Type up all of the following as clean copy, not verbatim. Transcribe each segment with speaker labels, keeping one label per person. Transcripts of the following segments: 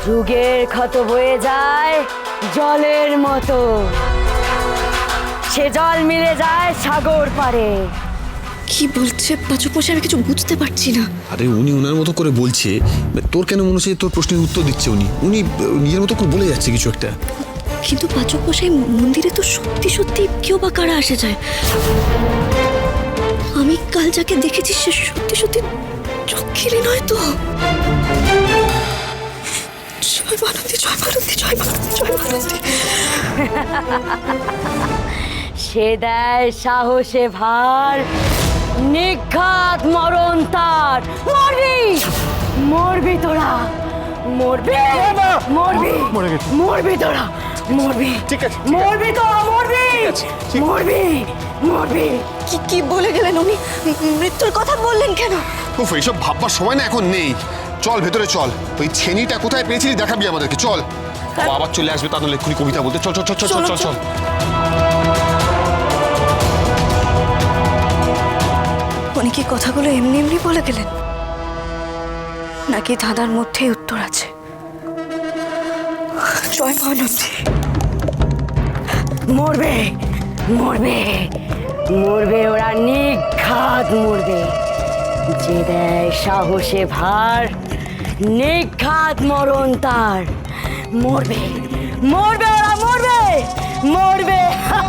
Speaker 1: যুগের ক্ষত বয়ে যায় জলের মতো, সে জল মিলে যায় সাগর পারে।
Speaker 2: কি বলছে পাচকমশাই? আমি কিছু বুঝতে পারছি না।
Speaker 3: আরে উনি ওনার মতো করে বলছে, তোর কেন মনে হচ্ছে তোর প্রশ্নের উত্তর দিচ্ছে? উনি উনি নিজের মতো করে বলে যাচ্ছে কিছু একটা।
Speaker 2: কিন্তু পাচকমশাই, মন্দিরে তো সত্যি সত্যি কেউ বা কারা আসে যায়। আমি কাল যাকে দেখেছি সে সত্যি সত্যি চক্ষিরে নয় তো। জয় মালতী, জয় মালতী, জয় মালতী, জয় মালতী।
Speaker 1: সে দেয় সাহসে ভার, নিঘাত মরণ তার। মরবি, মরবি তোরা, মরবি, মরবি, মরবি তোরা, মরবি,
Speaker 3: ঠিক আছে,
Speaker 1: মরবি তোরা, মরবি, মরবি, মরবি।
Speaker 2: কি কি বলে গেলেন উনি? মৃত্যুর কথা বললেন কেন?
Speaker 3: উফ, এইসব ভাববার সময় না এখন নেই। চল ভেতরে চল, ওই ছেনিটা কোথায় পেয়েছিলি দেখাবি আমাদেরকে। চল, বাবা আবার চলে আসবে, তাহলে এক্ষুনি কবিতা বলতে। চল চল চল চল চল চল।
Speaker 2: উনি কি কথাগুলো এমনি এমনি বলে গেলেন, নাকি ধাঁধার মধ্যেই উত্তর আছে? জয় মালতী।
Speaker 1: মরবে, মরবে, মরবে ওরা, নিঘাত মরবে। যে দেয় সাহসে ভার, নিঘাত মরণ তার। মরবে, মরবে ওরা, মরবে, মরবে।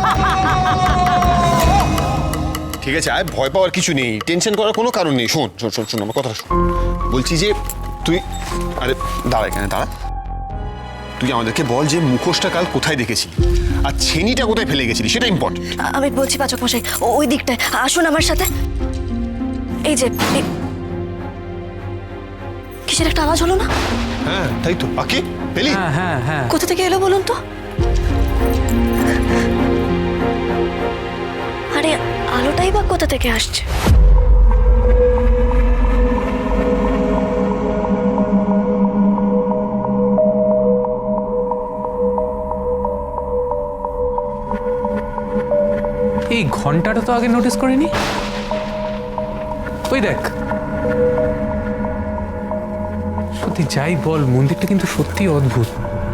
Speaker 3: ঠিক আছে, আয়, ভয় পাওয়ার কিছু নেই, টেনশন করার কোনো কারণ নেই। শোন শোন শোন শোন আমার কথা শোন। বলছি যে তুই, আরে দাঁড়া এখানে দাঁড়া। তুই আমাদেরকে বল যে মুখোশটা কাল কোথায় দেখেছিলি আর ছেনিটা কোথায় ফেলে গেছিলি, সেটা ইম্পর্টেন্ট।
Speaker 2: আমি বলছি পাচকমশাই, ওই দিকটায় আসুন আমার সাথে। এই যে কিসের একটা আওয়াজ হলো না?
Speaker 3: হ্যাঁ তাই তো। আকি পেলি?
Speaker 4: হ্যাঁ হ্যাঁ।
Speaker 2: কোথা থেকে এলো বলুন তো? আরে আলোটাই বা কোথা থেকে আসছে?
Speaker 4: এই ঘন্টাটা তো আগে নোটিস করিনি। ওই দেখ, সত্যি যাই বল, মন্দিরটা কিন্তু সত্যি অদ্ভুত।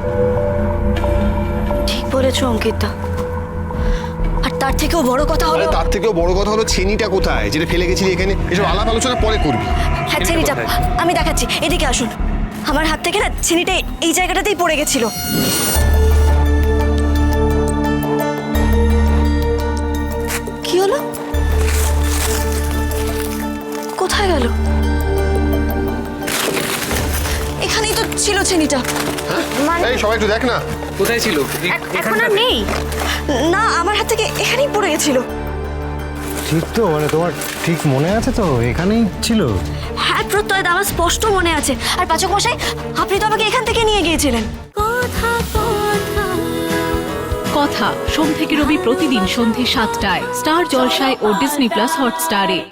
Speaker 2: ঠিক বলেছো অঙ্কিতা। আর তার থেকেও বড় কথা হলো,
Speaker 3: তার থেকেও বড় কথা হলো ছেনিটা কোথায় যেটা ফেলে গেছিলি এখানে। এসব আলাপ আলোচনা পরে করবি।
Speaker 2: হ্যাঁ ছেনিটা আমি দেখাচ্ছি, এদিকে আসুন। আমার হাত থেকে না ছেনিটা এই জায়গাটাতেই পড়ে গেছিল। কি হলো? কোথায় গেল? এখানেই তো ছিল ছেনিটা।
Speaker 3: এই সবাই একটু দেখ না।
Speaker 4: কোথায় ছিল?
Speaker 2: এখন আর নেই। না, আমার হাত থেকে এখানেই পড়ে গেছিল।
Speaker 5: ঠিক তো, মানে তোমার ঠিক মনে আছে তো এখানেই ছিল?
Speaker 2: হ্যাঁ প্রত্যয়, আমার স্পষ্ট মনে আছে। আর পাচকমশাই, আপনি তো আমাকে এখান থেকে নিয়ে গিয়েছিলেন।
Speaker 6: কথা সোম থেকে রবি প্রতিদিন সন্ধে ৭টায় স্টার জলসায় ও ডিজনি প্লাস হটস্টারে।